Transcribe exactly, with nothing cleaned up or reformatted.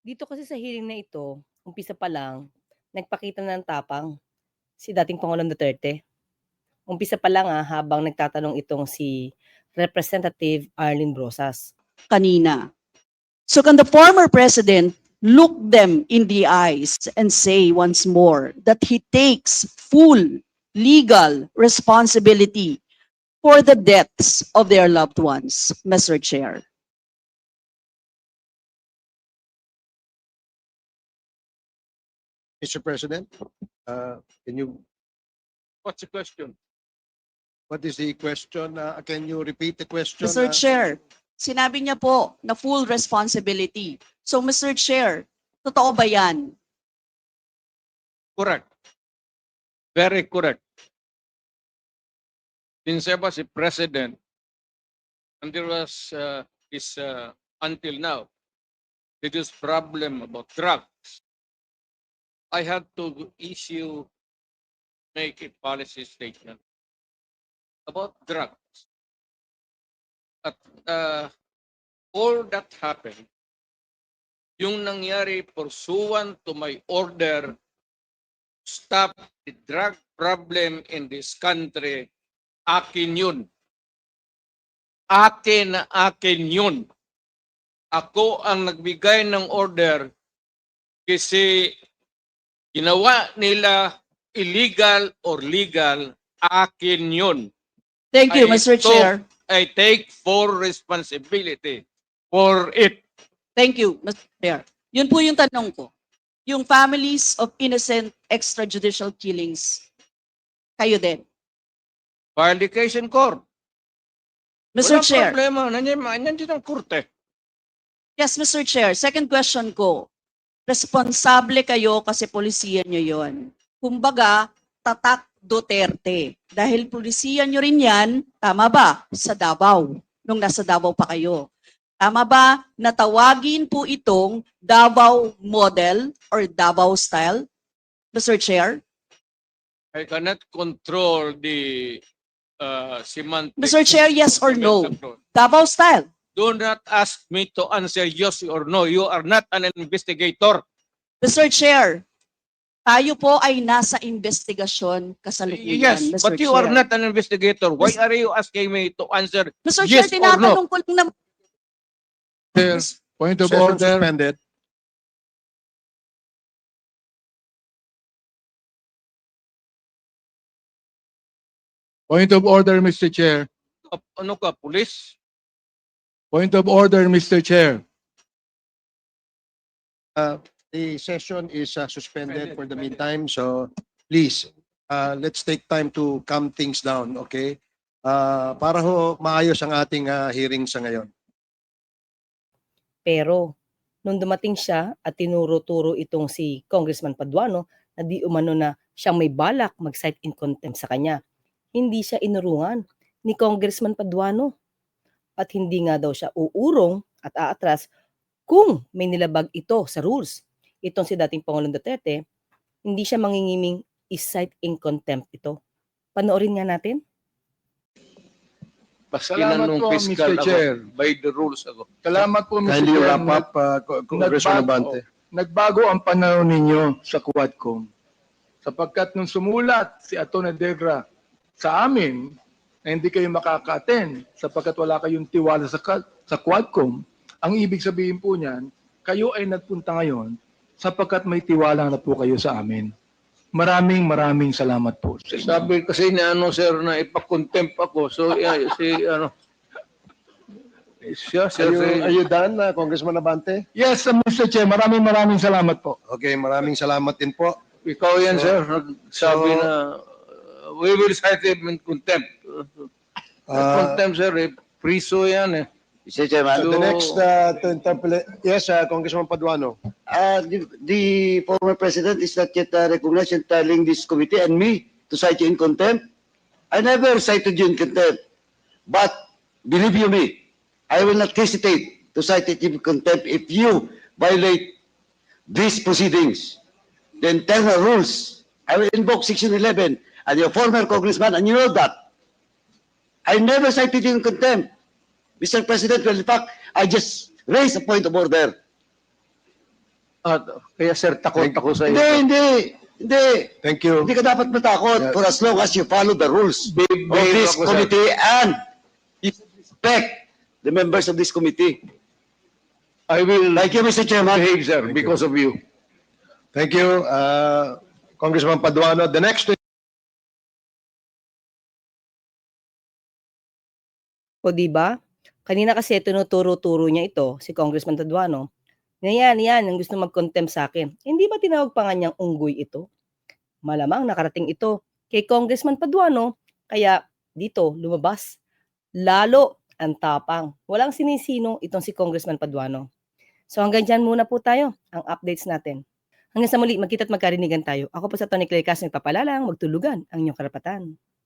Dito kasi sa hearing na ito, umpisa pa lang, nagpakita na ng tapang si dating Pangulong Duterte. Umpisa pa lang, ah, habang nagtatanong itong si Representative Arlene Brosas. Kanina. So can the former president look them in the eyes and say once more that he takes full legal responsibility for the deaths of their loved ones, Mister Chair? Mister President, uh, can you, What's the question? what is the question? Uh, can you repeat the question? Mister uh, Chair, sinabi niya po na full responsibility. So Mister Chair, totoo ba yan? Correct. Very correct. Since I was a president, and there was uh, this uh, until now, there is problem about drugs. I had to issue, make a policy statement about drugs. At uh, all that happened, yung nangyari pursuant to my order, stop the drug problem in this country, akin yun. Akin na akin yun. Ako ang nagbigay ng order kasi ginawa nila illegal or legal, akin yun. Thank you, I Mister took- Chair. I take full responsibility for it. Thank you, Mister Chair. Yun po yung tanong ko. Yung families of innocent extrajudicial killings, kayo din. File the case in court. Mister Walang Chair. problema. Nandiyan, nandiyan ang korte. Yes, Mister Chair. Second question ko. Responsable kayo kasi polisiyan nyo yon. Kumbaga, tatak Duterte. Dahil polisiyan nyo rin yan, tama ba? Sa Davao. Nung nasa Davao pa kayo. Tama ba na tawagin po itong Davao model or Davao style? Mister Chair? I cannot control the uh, semantics. Mister Chair, yes or of the no? metaphor. Davao style. Do not ask me to answer yes or no. You are not an investigator. Mister Chair, tayo po ay nasa investigasyon kasalukuyan, Yes, Mister but you Chair. are not an investigator. Why Mis- are you asking me to answer Mister yes Chair, or no? tinatanong ko lang naman. Chair, point of Session order. suspended. Point of order, Mister Chair. Ano ka, police? Point of order, Mister Chair. The session is uh, suspended for the meantime, so please, uh, let's take time to calm things down, okay? Uh, para ho maayos ang ating uh, hearing sa ngayon. Pero nung dumating siya at tinuro-turo itong si Congressman Paduano na di umano na siyang may balak mag-cite in contempt sa kanya, hindi siya inurungan ni Congressman Paduano. At hindi nga daw siya uurong at aatras kung may nilabag ito sa rules. Itong si dating Pangulong Duterte, hindi siya mangingiming is-cite in contempt ito. Panoorin nga natin. Baski Salamat na nung po, fiscal Mister ako. Chair. By the rules ako. Salamat po, Mister Kindly Chair. wrap up, uh, Co- Congressman Nagbago- Abante. Nagbago ang pananaw ninyo sa Quadcom. Sapagkat nung sumulat si Atty. Degra sa amin na hindi kayo makaka-attend sapagkat wala kayong tiwala sa, ka- sa Quadcom, ang ibig sabihin po niyan, kayo ay nagpunta ngayon sapagkat may tiwala na po kayo sa amin. Maraming maraming salamat po. sa inyo. Sabi kasi ni ano sir na ipakontempt ako. So yeah, si ano. Siya, siya, Are you, si- are you done, uh, Congressman Abante? Yes, uh, Mister Chair, maraming maraming salamat po. Okay, maraming salamat din po. ikaw yan So- sir. Nagsabi so- na uh, we will cite him in contempt. Uh, contempt sir, eh, priso yan eh. Mister Chairman, so the next uh, to interpolate, yes, uh, Congressman Paduano. uh, the, the former president is not yet uh, recognized in telling this committee and me to cite you in contempt. I never cited you in contempt. But believe you me, I will not hesitate to cite you in contempt if you violate these proceedings. The internal rules. I will invoke Section eleven and your former congressman, and you know that. I never cited you in contempt. Mister President, well, in fact, I just raised a point of order. At kaya sir, takot Thank- ako sa Hindi, iyo. hindi. Hindi. Thank you. Hindi ka dapat matakot Yeah. for as long as you follow the rules Big, of big this ako, sir. committee and you respect the members of this committee. I will Thank you, Mister Chairman. behave, sir, Thank you. because of you. Thank you, uh, Congressman Paduano. The next O di ba? Kanina kasi tinuturo-turo niya ito, si Congressman Paduano. Na yan, yan, ang gusto mag-contempt sa akin. Hindi ba tinawag pa nga niyang unggoy ito? Malamang nakarating ito kay Congressman Paduano, kaya dito lumabas. Lalo ang tapang. Walang sinisino itong si Congressman Paduano. So hanggang dyan muna po tayo, ang updates natin. Hanggang sa muli, magkita't magkarinigan tayo. Ako po sa Tony Clay Castro, nagpapalalang, magtulugan ang inyong karapatan.